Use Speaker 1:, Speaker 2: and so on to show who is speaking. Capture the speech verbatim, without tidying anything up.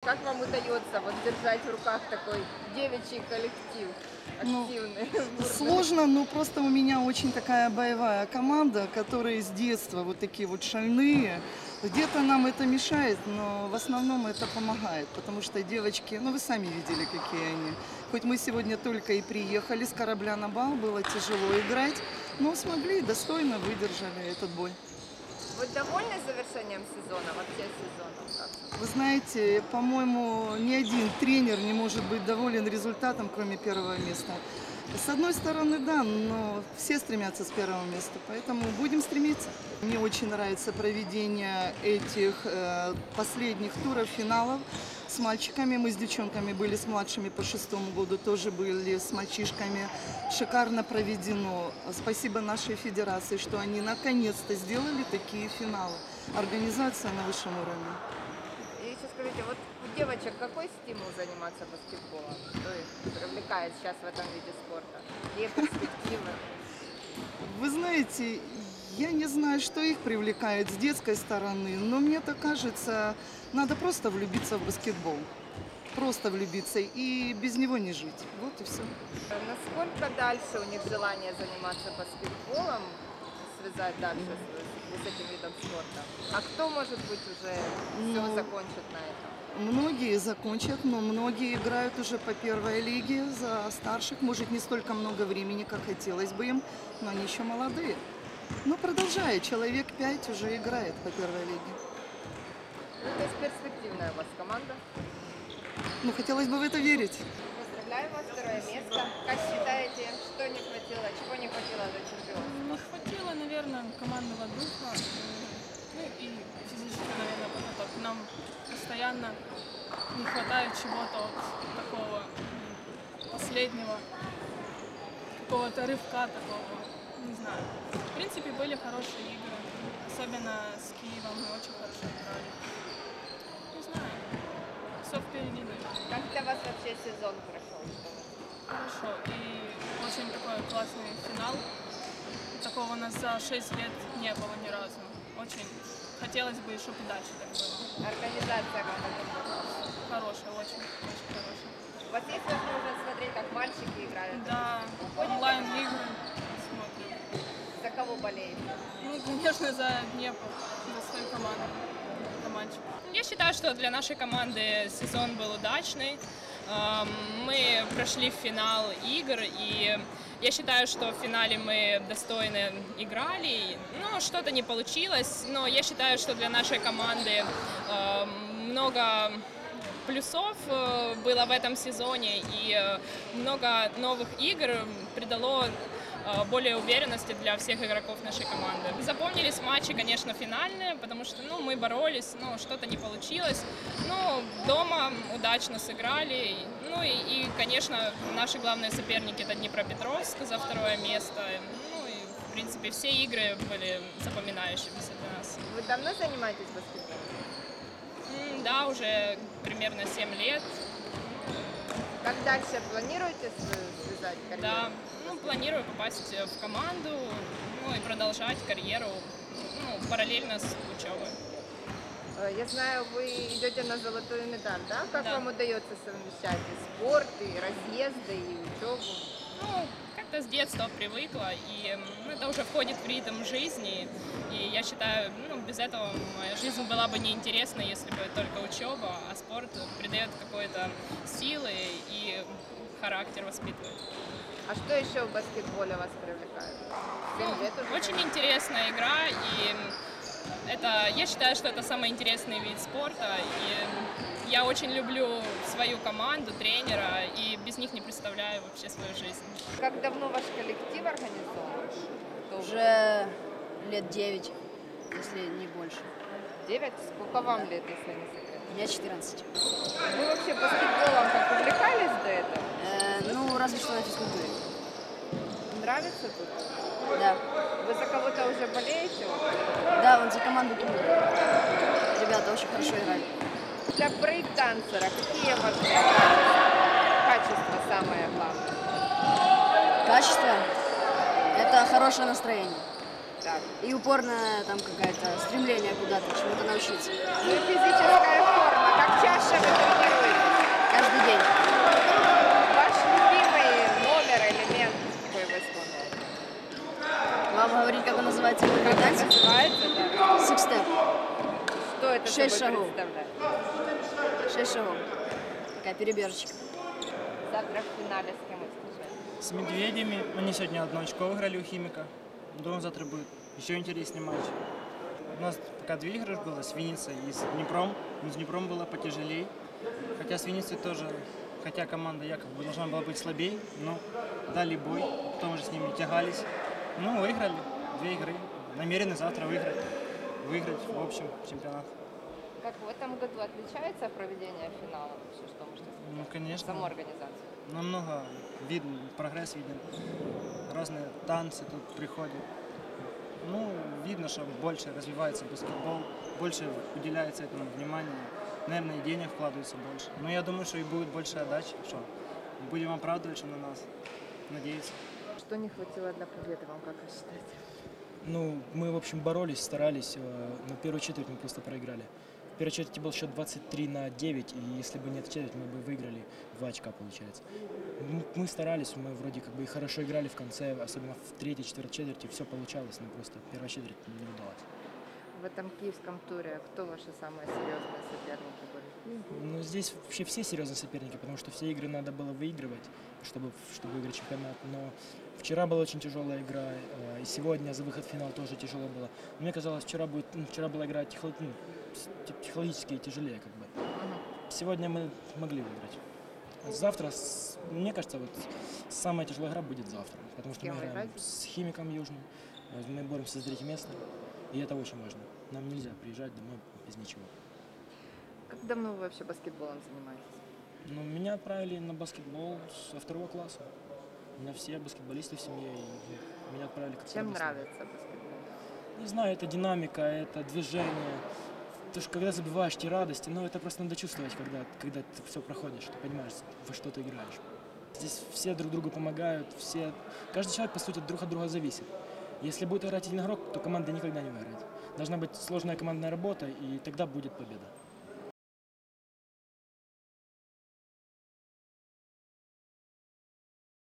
Speaker 1: Как вам удается вот держать в руках такой девичий коллектив? Активный.
Speaker 2: Ну, сложно, но просто у меня очень такая боевая команда, которые с детства вот такие вот шальные. Где-то нам это мешает, но в основном это помогает, потому что девочки, ну вы сами видели, какие они. Хоть мы сегодня только и приехали с корабля на бал, было тяжело играть, но смогли, достойно выдержали этот бой.
Speaker 1: Вы довольны завершением сезона, вообще сезоном? Как?
Speaker 2: Вы знаете, по-моему, ни один тренер не может быть доволен результатом, кроме первого места. С одной стороны, да, но все стремятся с первого места, поэтому будем стремиться. Мне очень нравится проведение этих э, последних туров, финалов с мальчиками. Мы с девчонками были с младшими по шестому году, тоже были с мальчишками. Шикарно проведено. Спасибо нашей федерации, что они наконец-то сделали такие финалы. Организация на высшем уровне.
Speaker 1: И еще скажите, вот у девочек какой стимул заниматься баскетболом? Что их привлекает сейчас в этом виде спорта? Какие перспективы?
Speaker 2: Вы знаете, я не знаю, что их привлекает с детской стороны, но мне так кажется, надо просто влюбиться в баскетбол. Просто влюбиться и без него не жить. Вот и все.
Speaker 1: Насколько дальше у них желание заниматься баскетболом, связать дальше с, с этим видом спорта? А кто, может быть, уже все
Speaker 2: Ну,
Speaker 1: закончит на этом?
Speaker 2: Многие закончат, но многие играют уже по первой лиге за старших. Может, не столько много времени, как хотелось бы им, но они еще молодые. Но продолжает, человек пять уже играет по первой лиге.
Speaker 1: Ну, то есть перспективная у вас команда.
Speaker 2: Ну, хотелось бы в это верить.
Speaker 1: Поздравляю вас, второе место. Как считаете, что не хватило, чего не хватило до чемпионства?
Speaker 3: Не хватило, наверное, командного духа, э, ну и физической, наверное, подготовки. Нам постоянно не хватает чего-то вот такого м, последнего, какого-то рывка такого, не знаю. В принципе, были хорошие игры, особенно с Киевом мы очень хорошо играли. Не знаю, все впереди, наверное.
Speaker 1: Как для вас вообще сезон прошел?
Speaker 3: Хорошо. И очень такой классный финал. Такого у нас за шесть лет не было ни разу. Очень хотелось бы, чтобы дальше так было.
Speaker 1: Организация как она?
Speaker 3: Хорошая, очень, очень хорошая.
Speaker 1: У вас есть возможность смотреть, как мальчики играют?
Speaker 3: Да, онлайн-игры смотрим.
Speaker 1: За кого болеете?
Speaker 3: Ну, конечно, за Днепр, за свою команду, за мальчиков.
Speaker 4: Я считаю, что для нашей команды сезон был удачный. Эм, Мы прошли в финал игр, и я считаю, что в финале мы достойно играли. Ну, что-то не получилось, но я считаю, что для нашей команды эм, много плюсов э, было в этом сезоне, и э, много новых игр придало э, более уверенности для всех игроков нашей команды. Запомнились матчи, конечно, финальные, потому что ну, мы боролись, но что-то не получилось. Но дома удачно сыграли. Ну и, и, конечно, наши главные соперники — это Днепропетровск за второе место. Ну и, в принципе, все игры были запоминающимися для нас.
Speaker 1: Вы давно занимаетесь баскетболом?
Speaker 4: М, Да, уже примерно семь лет.
Speaker 1: Как дальше планируете св- связать карьеру?
Speaker 4: Да, ну, планирую попасть в команду, ну и продолжать карьеру, ну, параллельно с учебой.
Speaker 1: Э, Я знаю, вы идете на золотую медаль, да? Как
Speaker 4: Да.
Speaker 1: вам удается совмещать и спорт, и разъезды, и учебу?
Speaker 4: Ну, как-то с детства привыкла, и м, ну, это уже входит в ритм жизни, и я считаю, ну, без этого моя жизнь была бы неинтересна, если бы только учеба, а спорт придает какой-то силы и характер воспитывает.
Speaker 1: А что еще в баскетболе вас привлекает? Семь лет уже?
Speaker 4: Очень интересная игра, и это, я считаю, что это самый интересный вид спорта, и я очень люблю свою команду, тренера, и без них не представляю вообще свою жизнь.
Speaker 1: Как давно ваш коллектив организован? Кто вы?
Speaker 5: Уже лет девять, если не больше.
Speaker 1: Девять? Сколько вам лет, если не секрет?
Speaker 5: Мне четырнадцать.
Speaker 1: Вы вообще баскетболом как увлекались до этого?
Speaker 5: Э, ну, разве что на физкультуре.
Speaker 1: Нравится тут?
Speaker 5: Да.
Speaker 1: Вы за кого-то уже болеете?
Speaker 5: Да, вот за команду Тулы. Ребята очень хорошо играли.
Speaker 1: Для брейк-дансера какие важны качества? Качество самое главное.
Speaker 5: Качество – это хорошее настроение.
Speaker 1: Так.
Speaker 5: И упорное там какое-то стремление куда-то, чему-то научиться.
Speaker 1: Ну и физическая форма, как часто вы тренируетесь?
Speaker 5: Каждый день.
Speaker 1: Ваш любимый номер, элемент, какой вы исполняете?
Speaker 5: Вам говорить, как он называется?
Speaker 1: Как
Speaker 5: Как
Speaker 1: это
Speaker 5: танец?
Speaker 1: называется, да?
Speaker 5: Six step.
Speaker 1: Что это
Speaker 5: Шесть
Speaker 1: собой
Speaker 5: шагов.
Speaker 1: представляет?
Speaker 5: Шесть шагов. Такая перебежечка.
Speaker 1: Завтра в финале с кем вы встречаетесь?
Speaker 6: С медведями. Они сегодня одно очко выиграли у Химика. Думаю, завтра будет еще интереснее матч. У нас пока две игры было, с Винницей и с Днепром. Но с Днепром было потяжелее. Хотя с Винницей тоже, хотя команда якобы должна была быть слабее, но дали бой, потом уже с ними тягались. Ну, выиграли две игры. Намерены завтра выиграть. Выиграть в общем чемпионат.
Speaker 1: Как в этом году отличается проведение финала? Вообще, что можете сказать?
Speaker 6: Ну, конечно.
Speaker 1: Саму организацию.
Speaker 6: Намного видно, прогресс виден. Разные танцы тут приходят. Ну, видно, что больше развивается баскетбол, больше уделяется этому внимания. Наверное, и денег вкладывается больше. Но я думаю, что и будет больше отдачи, что будем оправдывать, что на нас надеяться.
Speaker 1: Что не хватило для победы, вам как вы считаете?
Speaker 7: Ну, мы, в общем, боролись, старались, э, но первую четверть мы просто проиграли. В первой четверти был счет двадцать три на девять, и если бы не эта четверть, мы бы выиграли два очка, получается. М- Мы старались, мы вроде как бы и хорошо играли в конце, особенно в третьей, четвертой четверти, все получалось, но просто первая четверть не удалась.
Speaker 1: В этом киевском туре кто ваши самые серьезные соперники были?
Speaker 7: Ну, здесь вообще все серьезные соперники, потому что все игры надо было выигрывать, чтобы, чтобы выиграть чемпионат. Но вчера была очень тяжелая игра, э, и сегодня за выход в финал тоже тяжело было. Мне казалось, вчера, будет, ну, вчера была игра техно- ну, с- те- психологически тяжелее. Как бы. Сегодня мы могли выиграть. А завтра, с- мне кажется, вот самая тяжелая игра будет завтра, потому что
Speaker 1: кем
Speaker 7: мы
Speaker 1: вы
Speaker 7: играем
Speaker 1: играете?
Speaker 7: с Химиком Южным, э, мы боремся за третье место, и это очень важно. Нам нельзя приезжать домой без ничего.
Speaker 1: Как давно вы вообще баскетболом занимаетесь?
Speaker 7: Ну, меня отправили на баскетбол со второго класса. У меня все баскетболисты в семье, и ну, меня отправили как
Speaker 1: Чем
Speaker 7: слабость.
Speaker 1: нравится баскетбол?
Speaker 7: Не знаю, это динамика, это движение. То, что когда забиваешь те радости, но это просто надо чувствовать, когда, когда ты все проходишь, ты понимаешь, во что ты играешь. Здесь все друг другу помогают, все, каждый человек, по сути, друг от друга зависит. Если будет играть один игрок, то команда никогда не выиграет. Должна быть сложная командная работа, и тогда будет победа.